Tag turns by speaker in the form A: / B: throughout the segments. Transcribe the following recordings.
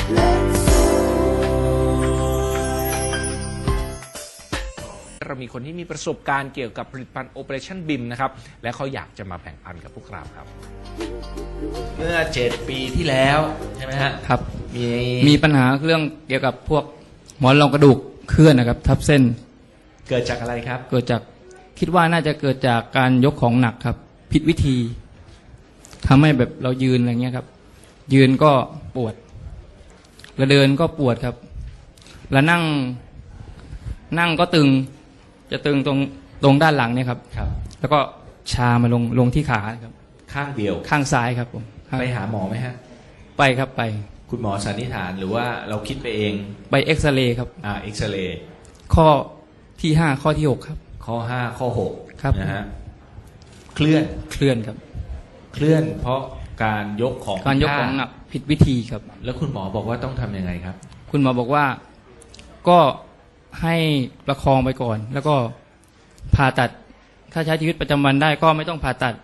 A: เรามีคนที่มีประสบการณ์เกี่ยวกับผลิตภัณฑ์ Operation BIM นะครับและเขาอยากจะมาแบ่งปันกับพวกเราครับเมื่อ7 ปีที่แล้วใช่ไหมฮะ
B: ครับ
A: มี
B: ปัญหาเรื่องเกี่ยวกับพวกหมอนรองกระดูกเคลื่อนนะครับทับเส้น
A: เกิดจากอะไรครับ
B: เกิดจากคิดว่าน่าจะเกิดจากการยกของหนักครับผิดวิธีทำให้แบบเรายืนอะไรเงี้ยครับยืนก็ปวดแล้วเดินก็ปวดครับแล้วนั่งก็ตึงจะตึงตรงด้านหลังเนี่ยครับแล้วก็ชามาลงที่ขาครับ
A: ข้างเดียว
B: ข้างซ้ายครับผม
A: ไปหาหมอไหมฮะ
B: ไปครับไป
A: คุณหมอสันนิษฐานหรือว่าเราคิดไปเอง
B: ไปเอ็กซเรย์ครับ
A: เอ็กซเรย์
B: ข้อที่5ข้อที่6ครับ
A: ข้อ5ข้อ6
B: ครับ
A: นะฮะเคลื่อน
B: ครับ
A: เคลื่อนเพราะการยกของ
B: หนักผิดวิธีครับ
A: แล้วคุณหมอบอกว่าต้องทำยังไงครับ
B: คุณหมอบอกว่าก็ให้ประคองไปก่อนแล้วก็ผ่าตัดถ้าใช้ชีวิตประจำวันได้ก็ไม่ต้องผ่าตัด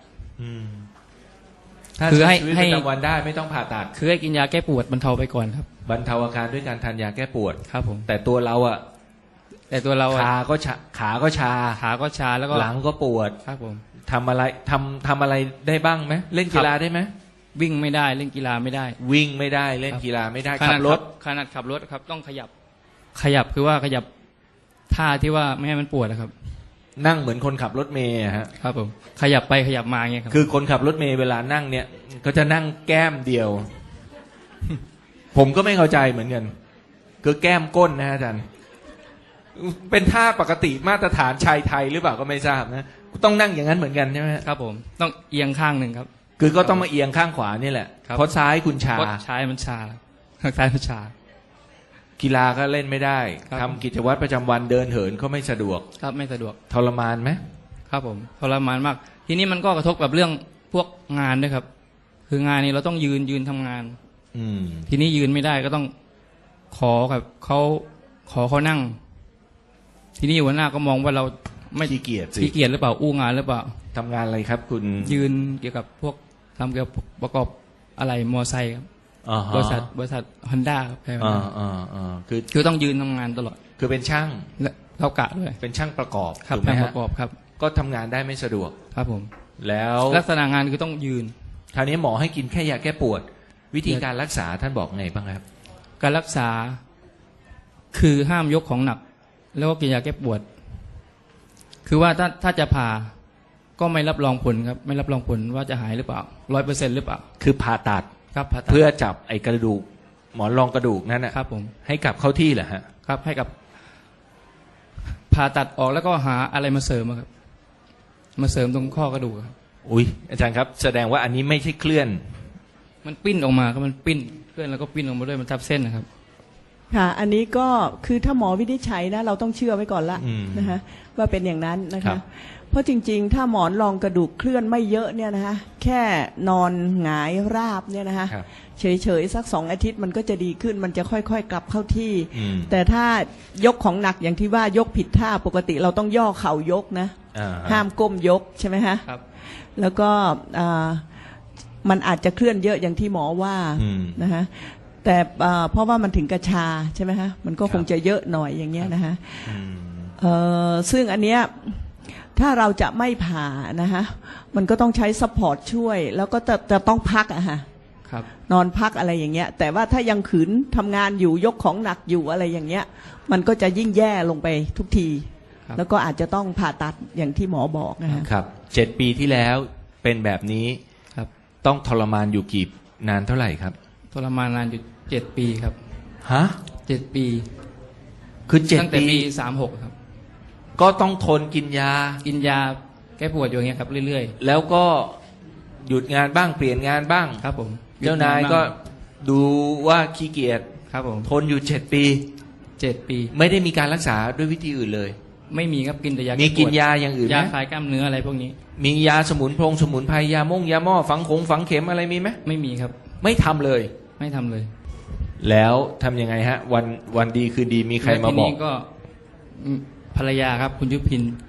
A: ถ้าใช้ชีวิตประจำวันได้ไม่ต้องผ่าตัด
B: คือให้กินยาแก้ปวดบรรเทาไปก่อนครับ
A: บรรเทาอาการด้วยการทานยาแก้ปวด
B: ครับผม
A: แต่ตัวเราขาก็ชาแล้วก็หลังก็ปวด
B: ครับผม
A: ทำอะไรได้บ้างไหมเล่นกีฬาได้ไหม
B: วิ่งไม่ได้เล่นกีฬาไม่ได้
A: วิ่งไม่ได้เล่นกีฬาไม่ได้
B: ขับรถครับต้องขยับคือว่าขยับท่าที่ว่าไม่ให้มันปวดนะครับ
A: นั่งเหมือนคนขับรถเมล์ฮะ
B: ครับผมขยับไปขยับมาเงี้ยครับ
A: คือคนขับรถเมล์เวลานั่งเนี่ยก็จะนั่งแก้มเดียว ผมก็ไม่เข้าใจเหมือนกันคือแก้มก้นนะอาจารย์เป็นท่าปกติมาตรฐานชายไทยหรือเปล่าก็ไม่ทราบนะต้องนั่งอย่างนั้นเหมือนกันใช่ไหม
B: ครับผมต้องเอียงข้างหนึ่งครับ
A: คือก็ต้องมาเอียงข้างขวานี่แหละเพราะซ้ายคุณชา
B: ซ้ายมันชาข้างซ้ายมันชา
A: กีฬาก็เล่นไม่ได้ทำกิจวัตรประจำวันเดินเหินก็ไม่สะดวก
B: ครับไม่สะดวก
A: ทรมานไหม
B: ครับผมทรมานมากทีนี้มันก็กระทบกับเรื่องพวกงานด้วยครับคืองานนี้เราต้องยืนทำงานทีนี้ยืนไม่ได้ก็ต้องขอกับเขานั่งทีนี้หัวหน้าก็มองว่าเรา
A: ไม่ขี้เกียจ
B: หรือเปล่าอู้งานหรือเปล่า
A: ทำงานอะไรครับคุณ
B: ยืนเกี่ยวกับพวกทำเกี่ยวกับประกอบอะไรมอไซค์ครับบริษัทฮอนด้าครับใช่ไหมคือต้องยืนทำงานตลอด
A: คือเป็นช่าง
B: เรากะด้วย
A: เป็นช่างประกอบ
B: ครับช่างประกอบครับ
A: ก็ทำงานได้ไม่สะดวก
B: ครับผม
A: แล้ว
B: ลักษณะงานคือต้องยืน
A: คราวนี้หมอให้กินแค่ยาแก้ปวดวิธีการรักษาท่านบอกไงบ้างครับ
B: การรักษาคือห้ามยกของหนักแล้วก็กินยาแก้ปวดคือว่าถ้าจะผ่าก็ไม่รับรองผลครับไม่รับรองผลว่าจะหายหรือเปล่า100%หรือเปล่า
A: คือผ่าตัด
B: ครับ
A: เพื่อจับไอ้กระดูกหมอนรองกระดูกนั่นนะครับ
B: ผม
A: ให้กลับเข้าที่เหรอฮะ
B: ครับให้กับผ่าตัดออกแล้วก็หาอะไรมาเสริมครับมาเสริมตรงข้อกระดูกครับ
A: อุ้ยอาจารย์ครับแสดงว่าอันนี้ไม่ใช่เคลื่อน
B: มันปิ้นออกมาครับมันปิ้นเคลื่อนแล้วก็ปิ้นออกมาด้วยมันทับเส้นนะครับ
C: ค่ะอันนี้ก็คือถ้าหมอวินิจฉัยนะเราต้องเชื่อไว้ก่อนละนะคะว่าเป็นอย่างนั้นนะคะเพราะจริงๆถ้าหมอนรองกระดูกเคลื่อนไม่เยอะเนี่ยนะคะแค่นอนหงายราบเนี่ยนะคะเฉยๆสัก2 อาทิตย์มันก็จะดีขึ้นมันจะค่อยๆกลับเข้าที่แต่ถ้ายกของหนักอย่างที่ว่ายกผิดท่าปกติเราต้องย่อเข่ายกนะห้ามก้มยกใช่ไหมคะแล้วก็มันอาจจะเคลื่อนเยอะอย่างที่หมอว่านะคะแต่เพราะว่ามันถึงกระชาใช่ไหมฮะมันก็คงจะเยอะหน่อยอย่างเงี้ยนะฮะซึ่งอันเนี้ยถ้าเราจะไม่ผ่านะฮะมันก็ต้องใช้ซัพพอร์ตช่วยแล้วก็จะต้องพักอะฮะนอนพักอะไรอย่างเงี้ยแต่ว่าถ้ายังขืนทำงานอยู่ยกของหนักอยู่อะไรอย่างเงี้ยมันก็จะยิ่งแย่ลงไปทุกทีแล้วก็อาจจะต้องผ่าตัดอย่างที่หมอบอก
A: นะครับ7 ปีที่แล้วเป็นแบบนี้ต้องทรมานอยู่กี่นานเท่าไหร่ครับ
B: ทรมานนานอยู่7 ปีครับ
A: ฮะ
B: 7 ปี
A: คือ7 ปี
B: ตั้งแต่ปี36ครับ
A: ก็ต้องทนกินยา
B: แก้ปวดอยู่อย่างเงี้ยครับเรื่อย
A: ๆแล้วก็หยุดงานบ้างเปลี่ยนงานบ้าง
B: ครับผม
A: เจ้านายก็ดูว่าขี้เกียจ
B: ครับผม
A: ทนอยู่7 ปีไม่ได้มีการรักษาด้วยวิธีอื่นเลย
B: ไม่มีครับกินแต่ยา
A: มีกินยาอย่างอื่นไหม
B: ยาคลายกล้ามเนื้ออะไรพวกนี้
A: มียาสมุนไพรยาม่งยาหม้อฝังเข็มอะไรมีไหม
B: ไม่มีครับ
A: ไม่ทำเลยแล้วทำยังไงฮะวันดีคือดีมีใครมาบอก
B: ก็ภรรยาครับคุณยุพิน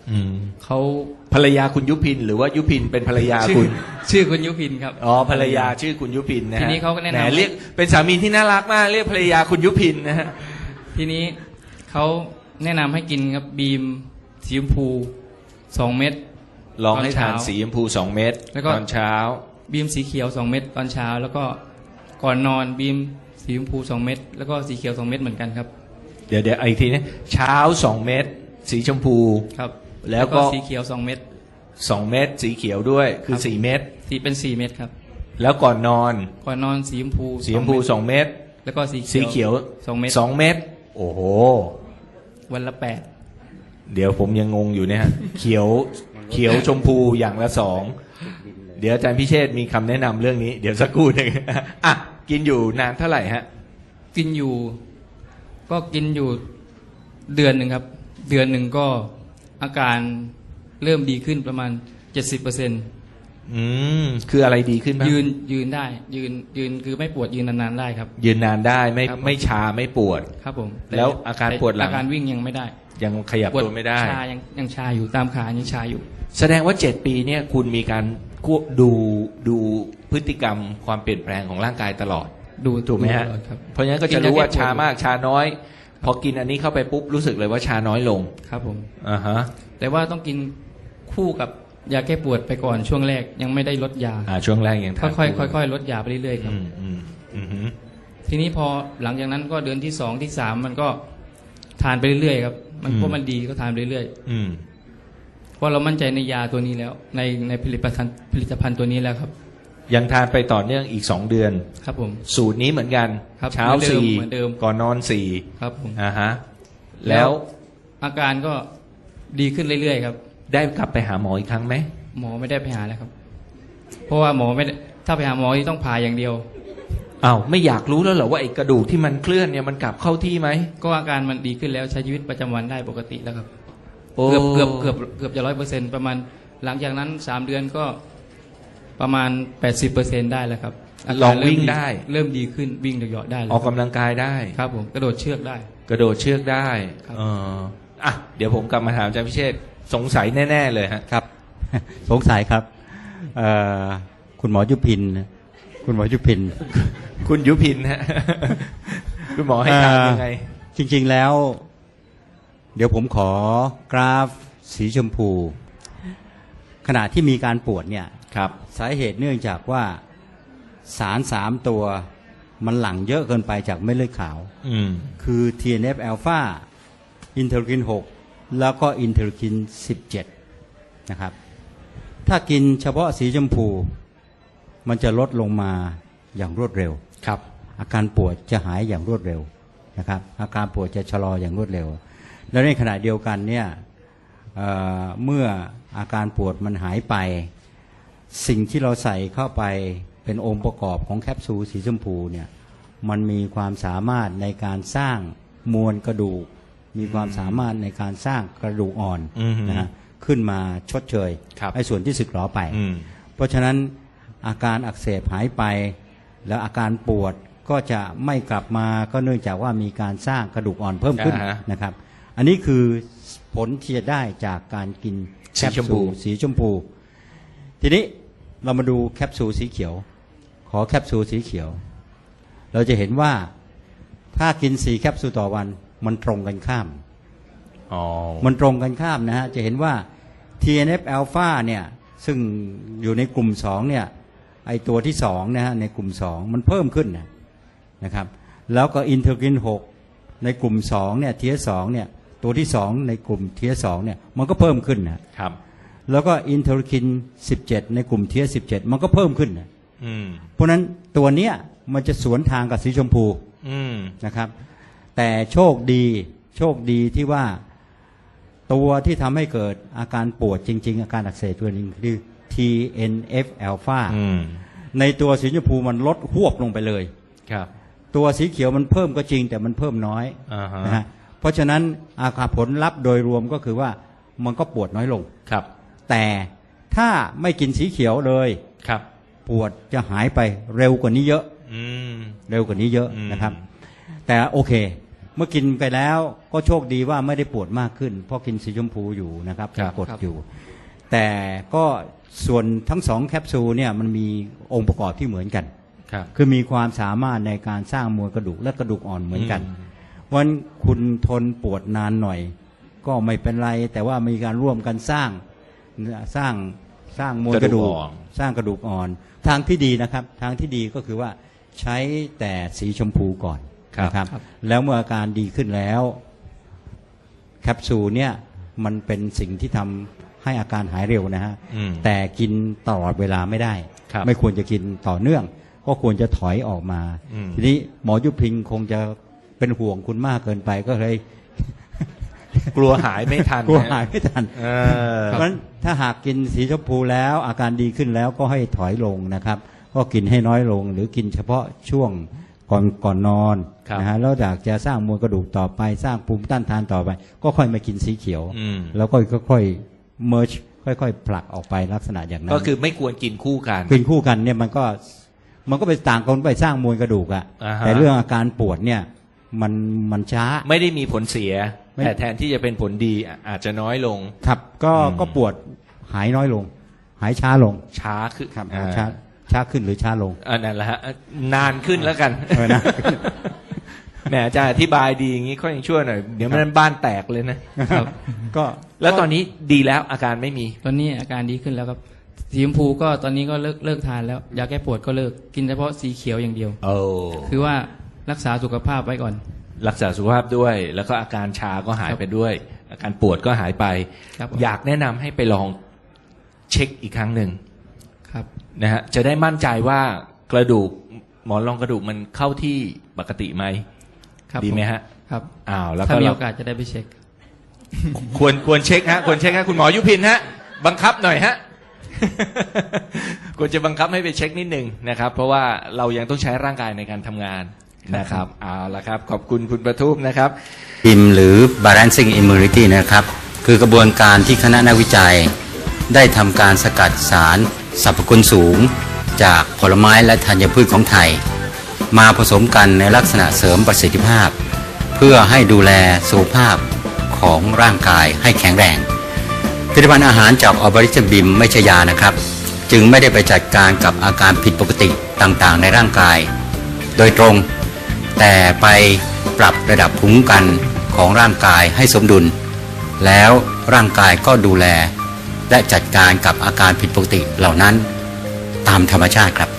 A: อืม
B: เขา
A: ภรรยาคุณยุพินหรือว่ายุพินเป็นภรรยา
B: ชื่
A: คุณ
B: ชื่อคุณยุพินครับ
A: อ๋อภรรยาชื่อคุณยุพินนะฮะ
B: ทีนี้เขาก็แนะนำ
A: หมเรียกเป็นสามีที่น่ารักมากเรียกภรรยาคุณยุพินนะฮะ
B: ทีนี้เขาแนะนำให้กินครับบีมสีชมพู2 เม็ด
A: ลองให้ทาน
B: ตอนเช้า
A: สีชมพู2 เม็ด
B: แล้วก็
A: ตอนเช้า
B: บีมสีเขียว2 เม็ดตอนเช้า แล้วก็ก่อนนอนบีมสีชมพู2 เม็ดแล้วก็สีเขียว2 เม็ดเหมือนกันครับ
A: เดี๋ยวอีกทีนะเช้า2 เม็ดสีชมพู
B: ครับ
A: แล้วก็
B: สีเขียว2 เม็ด
A: 2 เม็ดสีเขียวด้วยคือ
B: ครับ
A: 4 เม็ด
B: สีเป็น4 เม็ดครับ
A: แล้วก่อนนอน
B: ก่อนนอนสีชมพู
A: สีชมพู
B: 2
A: 2 เม็ด
B: แล้วก็สี
A: สีเขียว
B: 2 เม็ด
A: 2 เม็ดโอ้โห
B: วันละ
A: เดี๋ยวผมยังงงอยู่เนี่ยฮะ เขียวชมพูอย่างละ2เดี๋ยวอาจารย์พิเชษฐ์มีคำแนะนำเรื่องนี้ เดี๋ยวสักครู่หนึง อ่ะกินอยู่นานเท่าไหร่ฮะ
B: 8กินอยู่เดือนหนึ่งครับ เดือนหนึ่งก็อาการเริ่มดีขึ้นประมาณ 70%
A: คืออะไรดีขึ้นบ้าง
B: ยืนได้ยืนคือไม่ปวดยืนนานๆได้ครับ
A: ยืนนานได้ไม่
B: ครับผม
A: ไม่ชาไม่ปวด
B: ครับผม
A: แล้วอาการปวดหลัง
B: อาการวิ่งยังไม่ได้
A: ยังขยับตัวไม่ได้
B: ชายังชาอยู่ตามขายังชาอยู่
A: แสดงว่า7 ปีเนี่ยคุณมีการดูพฤติกรรมความเปลี่ยนแปลงของร่างกายตลอด ถูกไหมฮะ
B: ตลอดครับ
A: เพราะฉะนั้นก็จะรู้ว่า
B: กินยาแก้ปวด
A: ชามากชาน้อย พอกินอันนี้เข้าไปปุ๊บรู้สึกเลยว่าชาน้อยลง
B: ครับผม
A: อ่าฮะ
B: แต่ว่าต้องกินคู่กับยาแก้ปวดไปก่อนช่วงแรกยังไม่ได้ลดยา
A: ช่วงแรกยังทาน
B: ค่อยๆลดยาไปเรื่อยๆครับ
A: อืม
B: ทีนี้พอหลังจากนั้นก็เดือนที่2ที่3มันก็ทานไปเรื่อยๆครับมันเพราะมันดีก็ทานไปเรื่อย
A: อืม
B: ๆเพราะเรามั่นใจในยาตัวนี้แล้ว ในผลิตภัณฑ์ตัวนี้แล้วครับ
A: ยังทานไปต่อเนื่องอีก2 เดือน
B: ครับผม
A: สูตรนี้เหมือนกัน
B: ครับ
A: เช้า
B: เหมือนเดิม
A: 4ก่อนนอน
B: ครับผม
A: 4อ่าฮะแล้ว
B: อาการก็ดีขึ้นเรื่อยๆครับ
A: ได้กลับไปหาหมออีกครั้งไหม
B: หมอไม่ได้ไปหาแล้วครับ เพราะว่าหมอไม่ได้ถ้าไปหาหมอที่ต้องผ่าอย่างเดียว
A: อ้าวไม่อยากรู้แล้วเหรอว่าไอ้กระดูกที่มันเคลื่อนเนี่ยมันกลับเข้าที่ไหม
B: ก็อาการมันดีขึ้นแล้วใช้ชีวิตประจำวันได้ปกติแล้วครับ
A: โอ้
B: เกือบจะ100%ประมาณหลังจากนั้น3 เดือนก็ประมาณ 80%ได้แล้วครับา
A: ล
B: การ
A: องวิ่งได้
B: เริ่มดีขึ้นวิ่งเหยาะๆได้เลย
A: ออกกำลังกายได้
B: ครับผมกระโดดเชือกได้
A: กระโดดเชือกได้
B: ครับ
A: อ่ะเดี๋ยวผมกลับมาถามอาจารย์พิเชษฐ์สงสัยแน่ๆเลยฮะ
D: ครับ สงสัยครับคุณหมอยุพิน คุณหมอยุพิน
A: คุณยุพินฮะ คุณหมอให้ทานยังไง
D: จริงๆแล้ว เดี๋ยวผมขอกราฟสีชมพู ขณะที่มีการปวดเนี่ย
A: ครับ
D: สาเหตุเนื่องจากว่าสาร3 ตัวมันหลั่งเยอะเกินไปจากเม็ดเลือดขาว คือ TNF อ l p h a อินเทอร์คิน 6 แล้วก็อินเทอร์คิน 17 นะครับ ถ้ากินเฉพาะสีชมพู มันจะลดลงมาอย่างรวดเร็ว
A: ครับ
D: อาการปวดจะหายอย่างรวดเร็วนะครับ อาการปวดจะชะลออย่างรวดเร็ว แล้วในขณะเดียวกันเนี่ยเมื่ออาการปวดมันหายไป สิ่งที่เราใส่เข้าไปเป็นองค์ประกอบของแคปซูลสีชมพูเนี่ย มันมีความสามารถในการสร้างมวลกระดูก มีความสามารถในการสร้างกระดูกอ่อนนะฮะขึ้นมาชดเชย
A: ครับ
D: ไอ้ส่วนที่สึกหรอไป เพราะฉะนั้นอาการอักเสบหายไป แล้วอาการปวดก็จะไม่กลับมาก็เนื่องจากว่ามีการสร้างกระดูกอ่อนเพิ่มขึ้น
A: อ่าฮะ
D: นะครับ อันนี้คือผลที่จะได้จากการกินแคป
A: สีชมพู
D: ซูลสีชมพู ทีนี้เรามาดูแคปซูลสีเขียว ขอแคปซูลสีเขียว เราจะเห็นว่าถ้ากิน4 แคปซูลต่อวันมันตรงกันข้าม มันตรงกันข้ามนะฮะ จะเห็นว่า TNF อ l p h a เนี่ยซึ่งอยู่ในกลุ่ม2เนี่ยไอตัวที่2นะฮะในกลุ่ม2มันเพิ่มขึ้นนะครับ แล้วก็อินเทอร์กิน6ในกลุ่ม2เนี่ย TS2 เนี่ยตัวที่2ในกลุ่ม TS2 เนี่ยมันก็เพิ่มขึ้นนะครับ แล้วก็อินเทอร์คิน17ในกลุ่ม TS17 มันก็เพิ่มขึ้นนะเพราะฉะนั้นตัวเนี้ยมันจะสวนทางกับสีชมพูนะครับ แต่โชคดีที่ว่าตัวที่ทำให้เกิดอาการปวดจริงๆอาการอักเสบตัวนึงคือ TNF อ l p h a ในตัวสีชมพูมันลดหวบลงไปเลย
A: ครับ
D: ตัวสีเขียวมันเพิ่มก็จริงแต่มันเพิ่มน้อยนะฮะเพราะฉะนั้นอาการผลลัพธ์โดยรวมก็คือว่ามันก็ปวดน้อยลง
A: ครับ
D: แต่ถ้าไม่กินสีเขียวเลย
A: ครับ
D: ปวดจะหายไปเร็วกว่านี้เยอะ
A: อืม
D: เร็วกว่านี้เยอะนะครับ แต่โอเคมื่อกินไปแล้วก็โชคดีว่าไม่ได้ปวดมากขึ้น เพราะกินสีชมพูอยู่นะครับ
A: ครับ
D: กดอยู่ แต่ก็ส่วนทั้ง2แคปซูลเนี่ยมันมีองค์ประกอบที่เหมือนกัน
A: ครับ
D: คือมีความสามารถในการสร้างมวลกระดูกและกระดูกอ่อนเหมือนกันวันคุณทนปวดนานหน่อย ก็ไม่เป็นไร แต่ว่ามีการร่วมกันสร้างมวลกระดูก สร้างกระดูกอ่อน ทางที่ดีนะครับ ทางที่ดีก็คือว่าใช้แต่สีชมพูก่อนนะครับ แล้วเมื่ออาการดีขึ้นแล้วแคปซูลเนี่ยมันเป็นสิ่งที่ทำให้อาการหายเร็วนะฮะ แต่กินตลอดเวลาไม่ได้
A: ครับ
D: ไม่ควรจะกินต่อเนื่อง ก็ควรจะถอยออกมา ทีนี้หมอยุพินคงจะเป็นห่วงคุณมากเกินไปก็เลย
A: กลัวหายไม่ทัน
D: กลัวหายไม่ทัน
A: เออ
D: เพราะฉะนั้นถ้าหากกินสีชมพูแล้วอาการดีขึ้นแล้วก็ให้ถอยลงนะครับ ก็กินให้น้อยลง หรือกินเฉพาะช่วงก่อนนอน
A: ครับ
D: นะฮะแล้วอยากจะสร้างมวลกระดูกต่อไปสร้างภูมิต้านทานต่อไป ก็ค่อยมากินสีเขียว แล้วก็ค่อยๆเมิร์ชค่อยๆผลักออกไปลักษณะอย่างนั้น
A: ก็คือไม่ควรกินคู่กัน
D: กินคู่กันเนี่ยมันก็ไปต่างกันไปสร้างมวลกระดูกอะ
A: อ่าฮะ
D: แต่เรื่องอาการปวดเนี่ยมันช้า
A: ไม่ได้มีผลเสีย
D: ไม่
A: แต่แทนที่จะเป็นผลดีอาจจะน้อยลง
D: ครับก็ปวดหายน้อยลง หายช้าลง
A: ช้าขึ้น
D: ครับ
A: อ่า
D: ช้าขึ้นหรือช้าลง
A: นั่นแหละฮะนานขึ้นแล้วกัน
D: นะ
A: แหมอาจารย์อธิบายดีอย่างนี้ค่อยยังชั่วหน่อย เดี๋ยวมันบ้านแตกเลยนะ
B: ครับ
D: ก็
A: แล้วตอนนี้ดีแล้วอาการไม่มี
B: ตอนนี้อาการดีขึ้นแล้วครับสีชมพูก็ตอนนี้ก็เลิกทานแล้วยาแก้ปวดก็เลิกกินเฉพาะสีเขียวอย่างเดียว
A: โอ้
B: คือว่ารักษาสุขภาพไว้ก่อน
A: รักษาสุขภาพด้วย แล้วก็อาการชาก็หายไปด้วย อาการปวดก็หายไป
B: ครับ
A: อยากแนะนำให้ไปลองเช็คอีกครั้งหนึ่ง
B: ครับ
A: นะฮะจะได้มั่นใจว่ากระดูกหมอนรองกระดูกมันเข้าที่ปกติไหม
B: ครับ
A: ดีไหมฮะ
B: ครับ
A: อ้าวแล้ว
B: ถ้า
A: ก็
B: มี
A: เรา
B: โอกาสจะได้ไปเช็ค
A: ควรเช็คฮะควรเช็คฮะคุณหมอยุพินฮะบังคับหน่อยฮะ ควรจะบังคับให้ไปเช็คนิดหนึ่งนะครับ เพราะว่าเรายังต้องใช้ร่างกายในการทำงานนะครับเอาละครับ ขอบคุณคุณประทุมนะครับ
E: บิมหรือ Balancing Immunity นะครับ คือกระบวนการที่คณะนักวิจัย ได้ทำการสกัดสารสรรพคุณสูง จากผลไม้และธัญพืชของไทย มาผสมกันในลักษณะเสริมประสิทธิภาพ เพื่อให้ดูแลสุขภาพของร่างกายให้แข็งแรงผลิตภัณฑ์อาหารจากออบริชบิมไม่ใช่ยานะครับ จึงไม่ได้ไปจัดการกับอาการผิดปกติต่างๆ ในร่างกาย โดยตรง แต่ไปปรับระดับภูมิคุ้มกันของร่างกายให้สมดุล แล้วร่างกายก็ดูแล และจัดการกับอาการผิดปกติเหล่านั้นตามธรรมชาติครับ